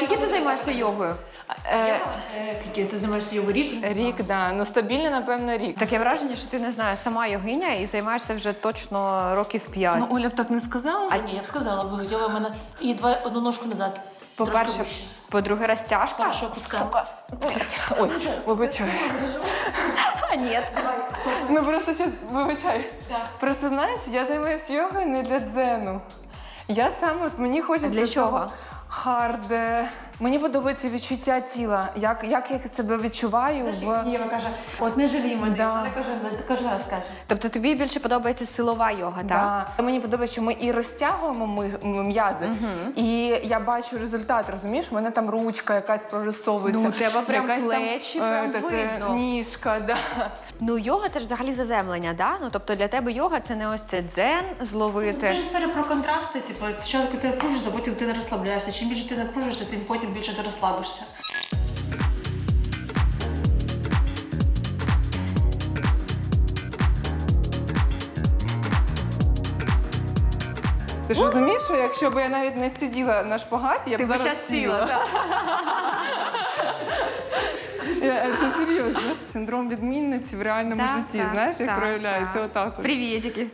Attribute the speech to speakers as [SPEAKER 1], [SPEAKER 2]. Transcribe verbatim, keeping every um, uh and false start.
[SPEAKER 1] скільки ти займаєшся йогою?
[SPEAKER 2] Е,
[SPEAKER 3] Е, Скільки ти займаєшся його рік? вже
[SPEAKER 2] Рік,
[SPEAKER 3] займалася?
[SPEAKER 2] да. Ну стабільно, напевно, рік.
[SPEAKER 1] Таке враження, що ти не знаю, сама йогиня і займаєшся вже точно років п'ять.
[SPEAKER 2] Ну, Оля б так не сказала.
[SPEAKER 3] А ні, я б сказала, бо йога в мене і два одну ножку назад. Трошки
[SPEAKER 1] По-перше,
[SPEAKER 3] вище.
[SPEAKER 1] по-друге, розтяжка.
[SPEAKER 3] Першого куска.
[SPEAKER 2] Ой, вибачай.
[SPEAKER 1] А, ні.
[SPEAKER 2] Ну просто щас, вибачай. Просто знаєш, я займаюся йогою не для дзену. Я саме, от мені хочеться
[SPEAKER 1] Для чого?
[SPEAKER 2] цього хард. е, Мені подобається відчуття тіла, як, як я себе відчуваю в...
[SPEAKER 3] Єва каже, от не жалій мене.
[SPEAKER 2] Да.
[SPEAKER 3] Вона каже, кожен раз каже.
[SPEAKER 1] Тобто тобі більше подобається силова йога, так?
[SPEAKER 2] Да. Мені подобається, що ми і розтягуємо ми- м- м'язи, і я бачу результат, розумієш? У мене там ручка якась прорисовується.
[SPEAKER 1] Ну, у тебе прям
[SPEAKER 2] якась
[SPEAKER 1] плечі,
[SPEAKER 2] там, е,
[SPEAKER 1] прям
[SPEAKER 2] таке,
[SPEAKER 1] видно.
[SPEAKER 2] ніжка, да.
[SPEAKER 1] Ну, йога це ж взагалі заземлення, да? Ну, тобто для тебе йога це не ось це дзен зловити.
[SPEAKER 3] Це ж історія про контрасти. Типу, спочатку ти напружишся, потім ти не розслабляєшся. Чим більше ти напружишся, тим потім більше ти розслабишся.
[SPEAKER 2] Ти ж розумієш, що якщо б я навіть не сиділа на шпагаті, я б
[SPEAKER 1] Ти б
[SPEAKER 2] зараз
[SPEAKER 1] щас сіла,
[SPEAKER 2] сіла.
[SPEAKER 1] так.
[SPEAKER 2] Я, це серйозно. Синдром відмінниці в реальному
[SPEAKER 1] Так,
[SPEAKER 2] житті,
[SPEAKER 1] так,
[SPEAKER 2] знаєш, як
[SPEAKER 1] так,
[SPEAKER 2] проявляється
[SPEAKER 1] так.
[SPEAKER 2] отак. от.
[SPEAKER 1] Привітики.